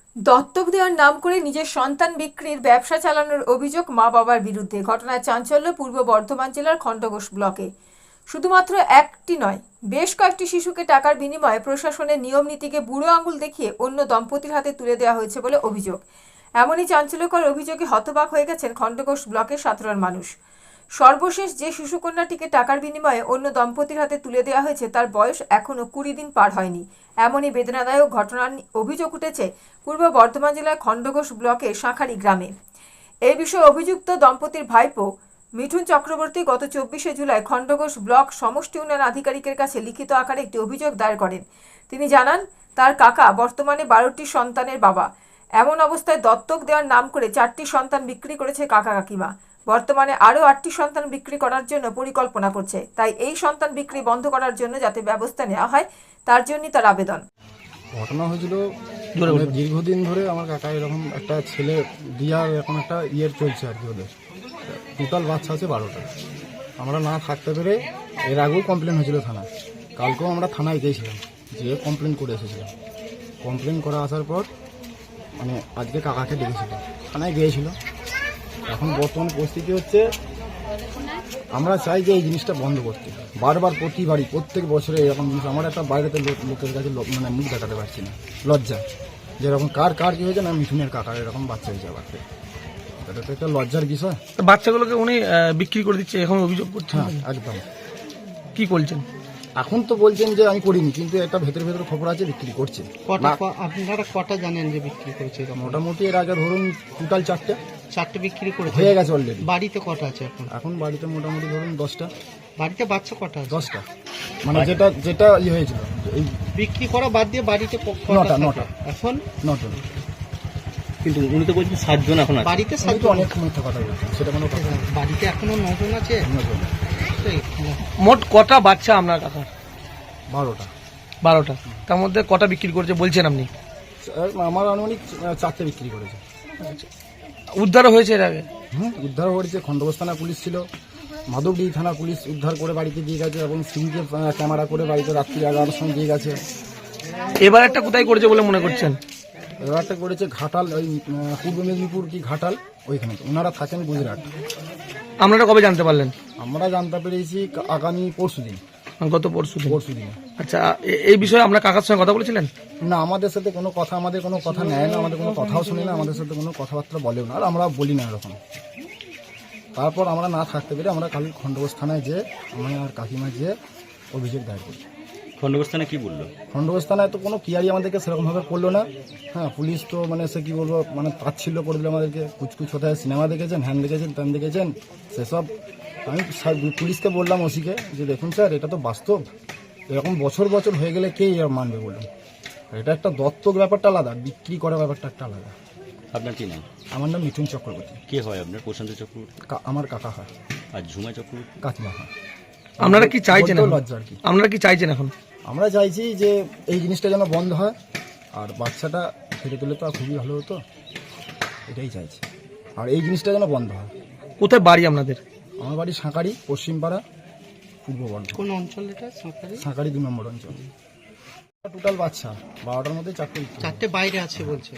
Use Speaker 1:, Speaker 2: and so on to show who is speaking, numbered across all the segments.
Speaker 1: দত্তক দেওয়ার নাম করে নিজের সন্তান বিক্রির ব্যবসা চালানোর অভিযোগ মা বাবার বিরুদ্ধে। ঘটনায় চাঞ্চল্য পূর্ব বর্ধমান জেলার খণ্ডঘোষ ব্লকে। শুধুমাত্র একটি নয়, বেশ কয়েকটি শিশুকে টাকার বিনিময়ে প্রশাসনের নিয়ম নীতিকে বুড়ো আঙুল দেখিয়ে অন্য দম্পতির হাতে তুলে দেওয়া হয়েছে বলে অভিযোগ। এমনই চাঞ্চল্যকর অভিযোগে হতবাক হয়ে গেছেন খণ্ডঘোষ ব্লকের সাধারণ মানুষ। সর্বশেষ যে শিশুকন্যাটিকে টাকার বিনিময়ে অন্য দম্পতির হাতে তুলে দেওয়া হয়েছে তার বয়স এখনও 20 দিন পার হয়নি। এমনই বেদনাদায়ক ঘটনার অভিযোগ উঠেছে পূর্ব বর্ধমান জেলার খণ্ডঘোষ ব্লকের শাঁখারি গ্রামে। এই বিষয়ে অভিযুক্ত দম্পতির ভাইপো মিঠুন চক্রবর্তী গত 24শে জুলাই খণ্ডঘোষ ব্লক সমষ্টি উন্নয়ন আধিকারিকের কাছে লিখিত আকারে একটি অভিযোগ দায়ের করেন। তিনি জানান, তার কাকা বর্তমানে 12টি সন্তানের বাবা। এমন অবস্থায় দত্তক দেওয়ার নাম করে 4টি সন্তান বিক্রি করেছে কাকা কাকিমা। বর্তমানে আরও 8টি সন্তান বিক্রি করার জন্য পরিকল্পনা করছে। তাই এই সন্তান বিক্রি বন্ধ করার জন্য যাতে ব্যবস্থা নেওয়া হয় তার জন্যই তার আবেদন।
Speaker 2: ঘটনা হয়েছিল দীর্ঘদিন ধরে আমার কাকা এরকম একটা ছেলে দিয়ার এরকম একটা চলছে আর কি। ওদের টোটাল বাচ্চা আছে 12টা। আমরা না থাকতে পেরে এর আগেও কমপ্লেন হয়েছিল থানায়। কালকেও আমরা থানায় গিয়েছিলাম, যেয়ে কমপ্লেন করে এসেছিলাম। কমপ্লেন করে আসার পর মানে আজকে কাকাকে ডেকেছিল, থানায় গিয়েছিল। এখন বর্তমান পরিস্থিতি হচ্ছে আমরা চাই যে এই জিনিসটা বন্ধ করতে। বারবার প্রতি বাড়ি প্রত্যেক বছরে এরকম জিনিস। আমার একটা বাইরেতে লোকের কাছে মানে মুখ দেখাতে পারছি না, লজ্জা। যেরকম কার কি হয়েছে না, মিঠুনের কাকার এরকম বাচ্চা হয়েছে আবার। এটা তো একটা লজ্জার বিষয়।
Speaker 3: বাচ্চাগুলোকে উনি বিক্রি করে দিচ্ছে, এখন অভিযোগ করছেন।
Speaker 2: হ্যাঁ, একদম।
Speaker 3: কি বলছেন?
Speaker 2: এখন তো বলছেন যে আমি করিনি, কিন্তু একটা ভেতরে খবর আছে বিক্রি করছে।
Speaker 4: আপনারা কটা জানেন যে বিক্রি করেছে?
Speaker 2: মোটামুটি এর আগে ধরুন টোটাল
Speaker 4: 4টে বিক্রি করেছে,
Speaker 2: হয়ে গেছে অলরেডি।
Speaker 4: বাড়িতে কটা আছে এখন?
Speaker 2: এখন বাড়িতে মোটামুটি ধরুন 10টা।
Speaker 4: বাড়িতে বাচ্চা কটা আছে?
Speaker 2: 10টা, মানে যেটা হয়েছিল এই
Speaker 4: বিক্রি করা বাদ দিয়ে বাড়িতে
Speaker 2: নটা।
Speaker 4: এখন
Speaker 2: 9টা।
Speaker 5: কিন্তু উনি তো বলছেন 7 জন এখন আছে।
Speaker 4: বাড়িতে
Speaker 2: আমি তো অনেক মিথ্যা কথা বলছি, সেটা কোনো কথা না।
Speaker 4: বাড়িতে এখনো 9 জন আছে।
Speaker 2: 9 জন।
Speaker 3: মোট কটা বাচ্চা আপনার কাকার?
Speaker 2: 12টা।
Speaker 3: 12টা। তার মধ্যে কটা বিক্রি করেছে বলছেন আপনি?
Speaker 2: আমার আনুমানিক 4টে বিক্রি করেছে।
Speaker 3: উদ্ধারও হয়েছে এর আগে?
Speaker 2: উদ্ধার করেছে। খণ্ডঘোষ থানা পুলিশ ছিল, মাধবডি থানা পুলিশ উদ্ধার করে বাড়িতে দিয়ে গেছে, এবং সিভিকে ক্যামেরা করে বাড়িতে রাত্রি 11টার সময় দিয়ে গেছে।
Speaker 3: এবার একটা কোথায় করেছে বলে মনে করছেন?
Speaker 2: এবারটা করেছে ঘাটাল, ওই পূর্ব মেদিনীপুর কি ঘাটাল, ওইখানে। ওনারা থাকেন গুজরাট।
Speaker 3: আপনারা কবে জানতে পারলেন?
Speaker 2: আমরা জানতে পেরেছি আগামী পরশুদিন।
Speaker 3: গত পরশুদিন।
Speaker 2: পরশুদিনে।
Speaker 3: আচ্ছা, এই বিষয়ে আপনার কাকার সঙ্গে কথা বলেছিলেন?
Speaker 2: না, আমাদের সাথে কোনো কথা নেয় না, আমাদের কোনো কথাও শুনি না, আমাদের সাথে কোনো কথাবার্তা বলেও না, আর আমরা বলি না এরকম। তারপর আমরা না থাকতে পেরে আমরা কাল খণ্ডঘোষ থানায় যেয়ে আমি আর কাকিমা যেয়ে অভিযোগ দায়ের করি।
Speaker 5: খণ্ডঘোষ থানায় কি বললো?
Speaker 2: খণ্ডঘোষ থানায় তো কোনো কিয়ারি আমাদেরকে সেরকমভাবে করলো না। হ্যাঁ, পুলিশ তো মানে সে কী বলবো, মানে তাচ্ছিল্য করে দিল আমাদেরকে। কুচকুচ কোথায় সিনেমা দেখেছেন, হ্যান দেখেছেন, ত্যান দেখেছেন, সেসব। আমি পুলিশকে বললাম, ওসিকে, যে দেখুন স্যার, এটা তো বাস্তব। এরকম বছর হয়ে গেলে কে এর মানবে বলুন? এটা একটা দত্তক ব্যাপারটা আলাদা, বিক্রি করার ব্যাপারটা একটা আলাদা।
Speaker 5: আপনার কি নাম?
Speaker 2: আমার নাম মিঠুন চক্রবর্তী।
Speaker 5: কে হয় আপনার? প্রশান্ত চক্রবর্তী?
Speaker 2: আমার কাকা হয়।
Speaker 5: আর ঝুমা চক্রবর্তী?
Speaker 2: কাকিমা হয়।
Speaker 3: আপনারা কি চাইছেন?
Speaker 2: লজ্জা আর কি।
Speaker 3: আপনারা কি চাইছেন এখন?
Speaker 2: আমরা চাইছি যে এই জিনিসটা যেন বন্ধ হয়, আর বাচ্চাটা ফিরে তুলে তো খুবই ভালো হতো, এটাই চাইছি। আর এই জিনিসটা যেন বন্ধ হয়।
Speaker 3: কোথায় বাড়ি আপনাদের?
Speaker 2: আমার বাড়ি শাঁখারি, পশ্চিমপাড়া, পূর্ব বর্ধমান।
Speaker 4: কোন অঞ্চল এটা?
Speaker 2: শাঁখারি 2 নম্বর অঞ্চল। টোটাল বাচ্চা 12টার মধ্যে
Speaker 4: 4টে বাইরে আছে বলছে।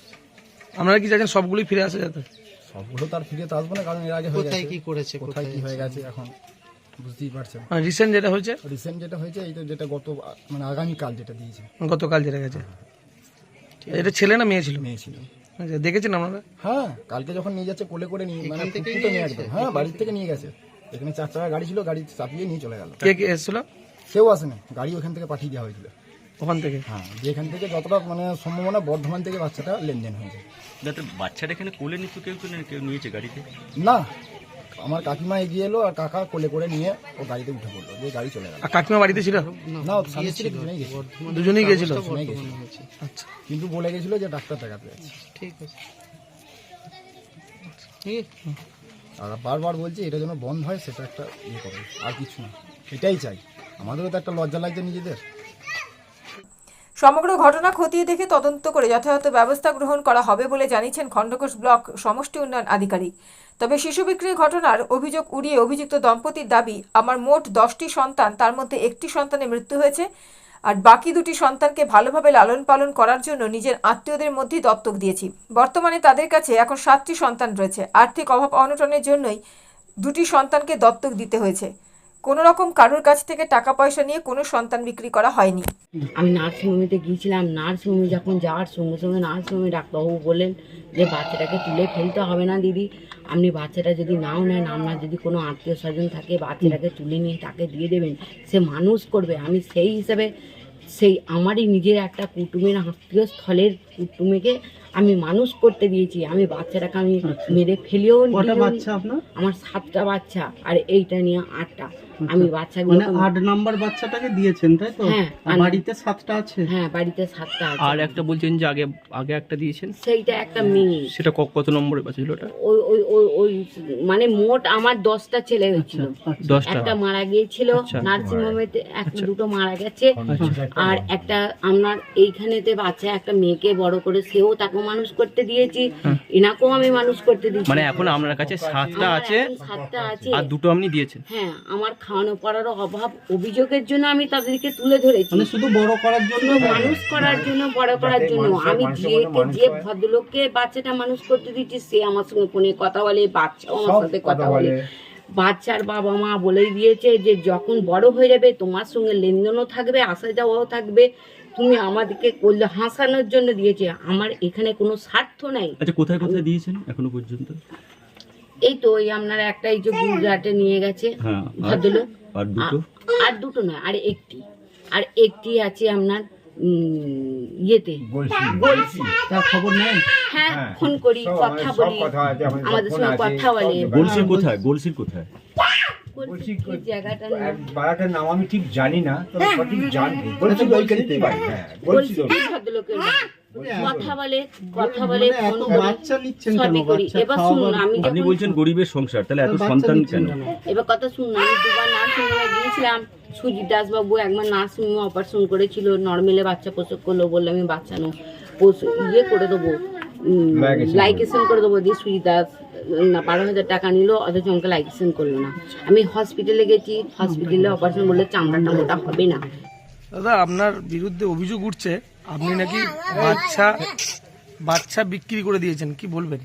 Speaker 3: আপনারা কি চাইছেন সবগুলোই ফিরে আসে যাতে?
Speaker 2: সবগুলো তার ফিরে তো আসবে না, কারণ এর আগে
Speaker 4: কোথায় কি করেছে,
Speaker 2: কোথায় কি হয়ে গেছে এখন বুঝতেই পারছেন।
Speaker 3: রিসেন্ট যেটা হয়েছে?
Speaker 2: রিসেন্ট যেটা হয়েছে এই তো, যেটা মানে আগামীকাল যেটা দিয়েছে।
Speaker 3: গতকাল যেটা গেছে। এটা ছেলে না মেয়ে ছিল?
Speaker 2: মেয়ে ছিল।
Speaker 3: আচ্ছা, দেখেছেন আপনারা?
Speaker 2: হ্যাঁ, কালকে যখন নিয়ে যাচ্ছে কোলে করে নিয়ে, মানে ফুটফুটে নিয়ে একদম। হ্যাঁ, বাড়ির থেকে নিয়ে গেছে। এখানে 4 চাকা গাড়ি ছিল, গাড়ি চাপিয়ে নিয়ে চলে গেল।
Speaker 3: কে এসেছিল?
Speaker 2: কেউ আসেনি, গাড়ি ওখান থেকে পাঠিয়ে দেওয়া হয়েছিল।
Speaker 3: ওখান থেকে?
Speaker 2: হ্যাঁ, যেখান থেকে যতটা মানে সম্ভাবনা বর্ধমান থেকে বাচ্চাটা লেনদেন হয়েছে।
Speaker 5: যাতে বাচ্চাটা এখানে কোলে নিত, কেউ নিয়েছে গাড়িতে?
Speaker 2: না, আমার কাকিমা এগিয়ে এলো, আর কাকা কোলে করে নিয়ে ও গাড়িতে উঠে পড়লো, যে গাড়ি চলে গেল।
Speaker 3: আর কাকিমা বাড়িতে ছিল?
Speaker 2: না, স্বামী স্ত্রী
Speaker 3: দুজনেই গেছিল।
Speaker 2: আচ্ছা, কিন্তু বলে গেছিল যে ডাক্তার দেখাতে যাচ্ছে।
Speaker 4: ঠিক আছে।
Speaker 2: আর বারবার বলছি এটা যেন বন্ধ হয়, সেটা একটা ইয়ে করে, আর কিছু না। এটাই চাই। আমাদেরও তো একটা লজ্জা লাগছে নিজেদের।
Speaker 1: সমগ্র ঘটনা খতিয়ে দেখে তদন্ত করে যথাযথ ব্যবস্থা গ্রহণ করা হবে বলে জানিয়েছেন খণ্ডঘোষ ব্লক সমষ্টি উন্নয়ন আধিকারিক। তবে শিশু বিক্রির ঘটনার অভিযোগ উড়িয়ে অভিযুক্ত দম্পতির দাবি, আমার মোট 10টি সন্তান, তার মধ্যে একটি সন্তানের মৃত্যু হয়েছে, আর বাকি দুটি সন্তানকে ভালোভাবে লালন পালন করার জন্য নিজের আত্মীয়দের মধ্যেই দত্তক দিয়েছি। বর্তমানে তাদের কাছে এখন 7টি সন্তান রয়েছে। আর্থিক অভাব অনটনের জন্যই দুটি সন্তানকে দত্তক দিতে হয়েছে। কোনো রকম কারোর কাছ থেকে টাকা পয়সা নিয়ে কোনো সন্তান বিক্রি করা হয়নি।
Speaker 6: আমি নার্সিংহোমেতে গিয়েছিলাম। নার্সিংহোমে যখন যাওয়ার সঙ্গে সঙ্গে নার্সিংহোমে ডাক্তারবাবু বললেন যে বাচ্চাটাকে তুলে ফেলতে হবে না দিদি, আপনি বাচ্চাটা যদি নাও নেন, আপনার যদি কোনো আত্মীয় স্বজন থাকে বাচ্চাটাকে তুলে নিয়ে তাকে দিয়ে দেবেন, সে মানুষ করবে। আমি সেই হিসাবে আমারই নিজের একটা কুটুমের আত্মীয় স্থলের কুটুমেকে আমি মানুষ করতে দিয়েছি। আমি বাচ্চাটাকে আমি মেরে ফেলেও
Speaker 4: বাচ্চা আপনার?
Speaker 6: আমার 7টা বাচ্চা আর এইটা নিয়ে 8টা। আমি বাচ্চাগুলো
Speaker 4: 8 নাম্বার বাচ্চাটাকে দিয়েছেন তাই তো?
Speaker 6: হ্যাঁ,
Speaker 4: আর বাড়িতে 7টা আছে?
Speaker 6: হ্যাঁ, বাড়িতে 7টা আছে।
Speaker 5: আর একটা বলছেন যে আগে একটা দিয়েছেন,
Speaker 6: সেইটা একটা মেয়ে।
Speaker 5: সেটা কত নম্বরে বাচ্চা ছিল ওটা?
Speaker 6: ওই মানে মোট আমার 10টা ছেলে হয়েছিল।
Speaker 5: 10টা।
Speaker 6: একটা মারা গিয়েছিল নার্সিংহোমেতে, দুটো মারা গেছে। আর একটা আপনার এইখানেতে বাচ্চা একটা মেয়েকে বড় করে সেও তাকে মানুষ করতে দিয়েছি, এনাকেও আমি মানুষ করতে দিয়েছি।
Speaker 5: মানে এখন আপনার কাছে 7টা আছে
Speaker 6: 7টা আছে।
Speaker 5: আর দুটো আপনি দিয়েছেন?
Speaker 6: হ্যাঁ, আমার খাওয়ানো পড়ারও অভাব অভিযোগের জন্য আমি তাদেরকে তুলে ধরেছি।
Speaker 4: মানে শুধু বড় করার জন্য,
Speaker 6: মানুষ করার জন্য, বড় করার জন্য। আমি যে ভদ্রলোককে বাচ্চাটা মানুষ করতে দিচ্ছি সে আমার সঙ্গে ফোনে কথা বলে, বাচ্চাও আমার সাথে কথা বলে। বাচ্চার বাবা মা বলেই দিয়েছে যে যখন বড় হয়ে যাবে তোমার সঙ্গে লেনদেনও থাকবে, আসা যাওয়াও থাকবে, তুমি আমাদেরকে করলে হাসানোর জন্য দিয়েছে। আমার এখানে কোনো স্বার্থ নাই।
Speaker 5: আচ্ছা, কোথায় কোথায় দিয়েছেন এখনো পর্যন্ত?
Speaker 6: এই তো ওই আপনার একটা এই যে গুজরাটে নিয়ে গেছে
Speaker 5: হ্যাঁ,
Speaker 6: ভদ্রলোক।
Speaker 5: আর দুটো?
Speaker 6: আর দুটো নয়, আর একটি আছে আপনার ইয়েতে বলছি।
Speaker 4: তার খবর নেন?
Speaker 6: হ্যাঁ, ফোন করি, কথা বলি, আমাদের সঙ্গে কথা বলে।
Speaker 5: গোলসির কোথায়? গোলসির কোথায়?
Speaker 6: বলছি কি জায়গাটার নাম?
Speaker 7: বাড়াটার নাম আমি ঠিক জানি না, তবে সঠিক জানি। বলছি ওইখানেই বাড়ি। হ্যাঁ,
Speaker 6: বলছি
Speaker 7: বলছি
Speaker 6: কি ভদ্রলোকের নাম? কথা বলে
Speaker 4: মানে
Speaker 6: ফোন
Speaker 4: এত
Speaker 6: করি,
Speaker 4: বাচ্চা নিচ্ছেন কেন?
Speaker 6: সবই করি।
Speaker 4: বাচ্চা
Speaker 6: এবার শুনুন,
Speaker 4: খাওয়াবার-
Speaker 6: আমি
Speaker 5: আপনি
Speaker 6: যখন
Speaker 5: বলছেন গরিবের সংসার, তাহলে এত
Speaker 4: বাচ্চা
Speaker 5: সন্তান
Speaker 4: নিচ্ছেন
Speaker 5: কেন?
Speaker 6: এবার কথা শুনুন, আমি দুবার নার্সিংহোমে গিয়েছিলাম। সুজিত দাসবাবু একবার নার্সিংহোমে অপারেশন করেছিল, নর্মেলে বাচ্চা প্রসব করলো, বললে আমি বাচ্চা নো ইয়ে করে দেবো, লাইকেশন করে দেবো দিয়ে সুজিত দাস 12,000 টাকা নিল, অথচ আমাকে লাইকেশন করলো না। আমি হসপিটালে গেছি, হসপিটালে অপারেশন বললে চামড়াটা মোটা হবে না।
Speaker 3: দাদা, আপনার বিরুদ্ধে অভিযোগ উঠছে আপনি নাকি বাচ্চা বিক্রি করে দিয়েছেন, কি বলবেন?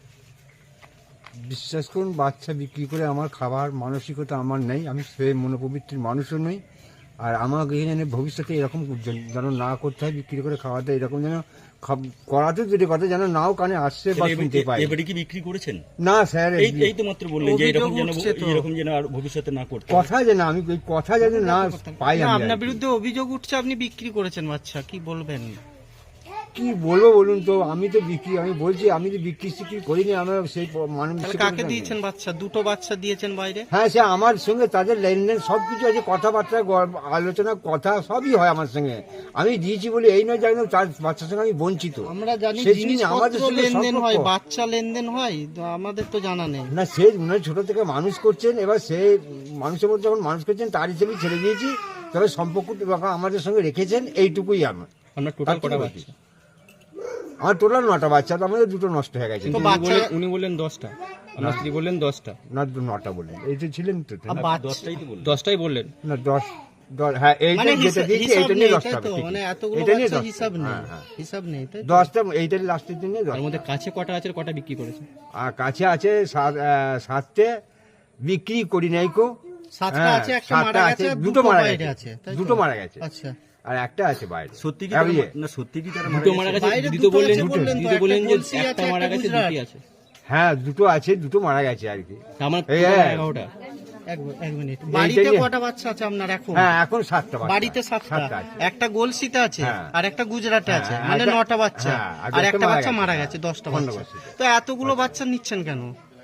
Speaker 2: বিশ্বাস করুন, বাচ্চা বিক্রি করে আমার খাবার মানসিকতা আমার নেই। আমি সে মনোপবিত্রের মানুষও নই। আর আমাকে এখানে ভবিষ্যতে এরকম যেন না করতে হয়, বিক্রি করে খাওয়াতে, এরকম যেন করাতে যদি কথা যেন নাও কানে আসছে বা শুনতে পাই।
Speaker 5: এবারে কি বিক্রি করেছেন?
Speaker 2: না স্যার,
Speaker 5: এই তো মাত্র বললেন যে এরকম যেন আর ভবিষ্যতে না করতে।
Speaker 2: কথা যে না, আমি ওই কথা যেন না পাই। আমি
Speaker 4: আপনার বিরুদ্ধে অভিযোগ উঠছে আপনি বিক্রি করেছেন বাচ্চা, কি বলবেন?
Speaker 2: কি বলবো বলুন তো? আমি তো বলছি আমি তো বিক্রি করিনি। আমরা সেই মানুষ
Speaker 4: কাকে দিয়েছেন বাচ্চা? দুটো বাচ্চা দিয়েছেন বাইরে?
Speaker 2: হ্যাঁ, সে আমার সঙ্গে তাদের লেনদেন সবকিছু আছে, কথাবার্তা আলোচনা কথা সবই হয় আমার সঙ্গে। আমি দিয়েছি বলে এই নয় জানি তার বাচ্চার সঙ্গে আমি বঞ্চিত।
Speaker 4: আমরা জানি
Speaker 2: সেই জিনিস
Speaker 4: জিনিসপত্র
Speaker 2: আমাদের সঙ্গে
Speaker 4: লেনদেন হয়,
Speaker 2: সম্পর্ক।
Speaker 4: বাচ্চা লেনদেন হয়, তো আমাদের তো জানা নেই।
Speaker 2: না, সে ছোট থেকে মানুষ করছেন, এবার সে মানুষের মধ্যে যখন মানুষ করছেন তার হিসেবে ছেড়ে দিয়েছি। তবে সম্পর্ক আমাদের সঙ্গে রেখেছেন, এইটুকুই আমার।
Speaker 5: আপনার টোটাল কটা বাচ্চা?
Speaker 2: আমার টোটাল 9টা বাচ্চা, তো আমাদের দুটো নষ্ট হয়ে গেছে।
Speaker 4: তো বাচ্চা
Speaker 5: উনি বললেন 10টা, আমার স্ত্রী বললেন 10টা।
Speaker 2: না, 9টা বললেন, এই তো ছিলেন তো।
Speaker 5: দশটাই তো বললেন। 10টাই বললেন।
Speaker 2: না, 10 হ্যাঁ, এইটা
Speaker 4: মানে
Speaker 2: যেটা দিয়েছি
Speaker 4: হিসাব
Speaker 2: এইটা
Speaker 4: নেই,
Speaker 2: নিয়ে
Speaker 4: তাই
Speaker 2: 10টা
Speaker 4: তো?
Speaker 2: হবে।
Speaker 4: মানে এতগুলো
Speaker 2: এটা নিয়ে
Speaker 4: বাচ্চা
Speaker 2: 10টা।
Speaker 4: হিসাব নেই,
Speaker 2: হ্যাঁ।
Speaker 4: হিসাব নেই, তাই তো?
Speaker 2: 10টা এইটার লাস্টের দিনে 10টা।
Speaker 5: তার মধ্যে কাছে কটা আছে আর কটা বিক্রি করেছে?
Speaker 2: আর কাছে আছে 7টে, বিক্রি করি নাই কো।
Speaker 4: 7টা আছে, একটা মারা গেছে,
Speaker 2: দুটো মারা
Speaker 4: বাইরে
Speaker 2: গেছে,
Speaker 4: আছে, তাই তো?
Speaker 2: দুটো মারা গেছে,
Speaker 4: আচ্ছা,
Speaker 2: আর একটা আছে বাইরে।
Speaker 5: সত্যি কি
Speaker 2: আর ইয়ে,
Speaker 5: না, সত্যি কি তারা
Speaker 3: দুটো মারা গেছে?
Speaker 4: বাইরে
Speaker 3: দিদি
Speaker 4: দুটো
Speaker 3: তো বললেন,
Speaker 4: আছে বললেন তো,
Speaker 3: দিদি বললেন যে
Speaker 4: একটা
Speaker 3: একটা
Speaker 4: গলসি
Speaker 3: মারা
Speaker 4: আছে,
Speaker 3: গেছে,
Speaker 4: একটা
Speaker 3: দুটি আছে।
Speaker 2: হ্যাঁ, দুটো আছে, দুটো মারা গেছে আর কি।
Speaker 3: আমার
Speaker 2: এই,
Speaker 3: টোটাল
Speaker 2: হ্যাঁ।
Speaker 3: 11টা।
Speaker 4: এক মিনিট। বাড়িতে
Speaker 2: নিয়ে-
Speaker 4: কটা বাচ্চা আছে আপনার এখন?
Speaker 2: হ্যাঁ, এখন 7টা বাচ্চা।
Speaker 4: বাড়িতে 7টা,
Speaker 2: আছে।
Speaker 4: একটা গোলসিতে আছে,
Speaker 2: হ্যাঁ।
Speaker 4: আর একটা গুজরাটে
Speaker 2: হ্যাঁ,
Speaker 4: আছে,
Speaker 2: আর
Speaker 4: মানে
Speaker 2: একটা-
Speaker 4: 9টা বাচ্চা,
Speaker 2: হ্যাঁ, আর
Speaker 4: আর
Speaker 2: একটা
Speaker 4: একটা বাচ্চা
Speaker 2: মারা
Speaker 4: মারা
Speaker 2: গেছে।
Speaker 4: গেছে, 10টা
Speaker 2: খন্ড
Speaker 4: বাচ্চা।
Speaker 2: বস্তিতে।
Speaker 4: তো এতগুলো বাচ্চা নিচ্ছেন কেন?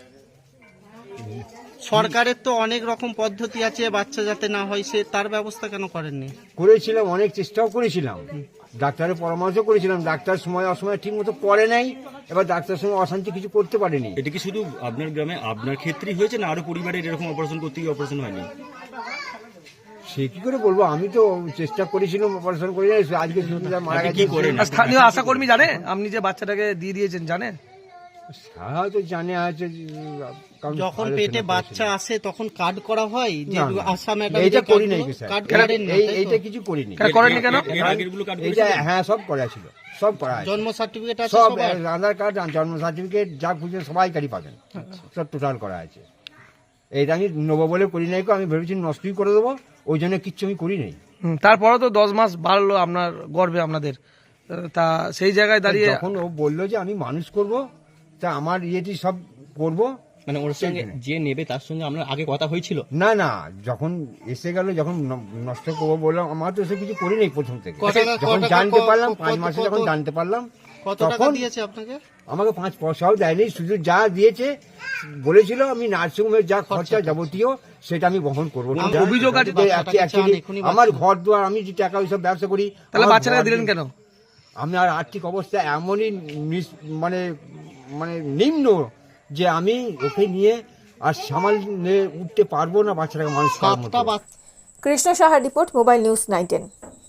Speaker 4: সরকারের তো অনেক রকম পদ্ধতি আছে বাচ্চা যাতে না হয়, সে তার ব্যবস্থা কেন করেননি?
Speaker 2: করেছিলাম, অনেক চেষ্টাও করেছিলাম, ডাক্তারের পরামর্শ করেছিলাম। ডাক্তার সময় অসময় ঠিক মতো করে নাই। এবার ডাক্তার সঙ্গে অশান্তি কিছু করতে পারেনি।
Speaker 5: এটা কি শুধু আপনার গ্রামে আপনার ক্ষেত্রেই হয়েছে না আরো পরিবারের এরকম অপারেশন করতে গিয়ে অপারেশন হয়নি?
Speaker 2: সে কি করে বলবো? আমি তো চেষ্টা করেছিলাম, অপারেশন করে আজকে মারা
Speaker 5: আপনি
Speaker 2: গেছে।
Speaker 5: কি করেন?
Speaker 3: আর স্থানীয় আশাকর্মী জানে আপনি যে বাচ্চাটাকে দিয়ে দিয়েছেন, জানে?
Speaker 2: হয়তো জানে, হয়তো
Speaker 7: কারণ
Speaker 4: যখন
Speaker 7: আলোচনা
Speaker 4: পেটে
Speaker 7: করেছিলাম।
Speaker 4: বাচ্চা আসে তখন কার্ড করা হয় যে
Speaker 7: না, না,
Speaker 4: আসাম
Speaker 7: এইটা করি নাই স্যার।
Speaker 4: কার্ড করেন না, তাই তো?
Speaker 7: এইটা কিছু করিনি।
Speaker 3: কেন করেননি কেন?
Speaker 5: এর আগেরগুলো কার্ড
Speaker 7: এটা
Speaker 5: করেছিলেন?
Speaker 7: হ্যাঁ সব করা ছিল, সব করা আছে।
Speaker 4: জন্ম সার্টিফিকেট আছে
Speaker 7: সব
Speaker 4: সবার?
Speaker 7: আধার কার্ড, জন্ম সার্টিফিকেট যা খুঁজে সবাইকারই পাবেন, সব টোটাল করা আছে। এইটা আমি নেবো বলে করি নাই, আমি ভেবেছি নষ্টই করে দেবো, ওই জন্য কিচ্ছু আমি করি নাই।
Speaker 3: তারপরে তো 10 মাস বাড়লো আপনার গর্বে আপনাদের, তা সেই জায়গায় দাঁড়িয়ে
Speaker 7: যখন ও বললো যে আমি মানুষ করব, তা আমার ইয়েটি সব করব।
Speaker 8: মানে ওর সঙ্গে যে নেবে তার সঙ্গে আপনার আগে কথা হয়েছিল?
Speaker 7: না না, যখন এসে গেল, যখন নষ্ট করবো বললাম, আমার তো সে কিছু করি নাই প্রথম থেকে।
Speaker 4: কত টাকা-
Speaker 7: যখন
Speaker 4: কত টাকা-
Speaker 7: জানতে পারলাম, 5
Speaker 4: কত-
Speaker 7: মাসে
Speaker 4: কত-
Speaker 7: যখন জানতে পারলাম,
Speaker 4: কত টাকা
Speaker 7: তখন
Speaker 4: দিয়েছে আপনাকে?
Speaker 7: আমাকে 5 পয়সাও দেয়নি, শুধু যা দিয়েছে বলেছিল আমি নার্সিংহোমের যা খরচা যাবতীয় সেটা আমি বহন করবো।
Speaker 3: অভিযোগ আছে
Speaker 4: বাচ্চাটাকে
Speaker 7: Actually,
Speaker 4: চান, এখনই
Speaker 7: আমার ঘর দুয়ার, আমি যে টাকা ওইসব ব্যবসা করি,
Speaker 3: তাহলে
Speaker 7: আমার
Speaker 3: বাচ্চাটাকে
Speaker 7: ঘর
Speaker 3: দিলেন কেন?
Speaker 7: আমি আর আর্থিক অবস্থা এমনই মানে মানে নিম্ন যে আমি ওকে নিয়ে আর সামাল নিয়ে উঠতে পারবো না, বাচ্চাটাকে মানুষ করার মতো।
Speaker 4: সাতটা বাচ্চা
Speaker 1: কৃষ্ণ সাহার রিপোর্ট, মোবাইল নিউজ 910।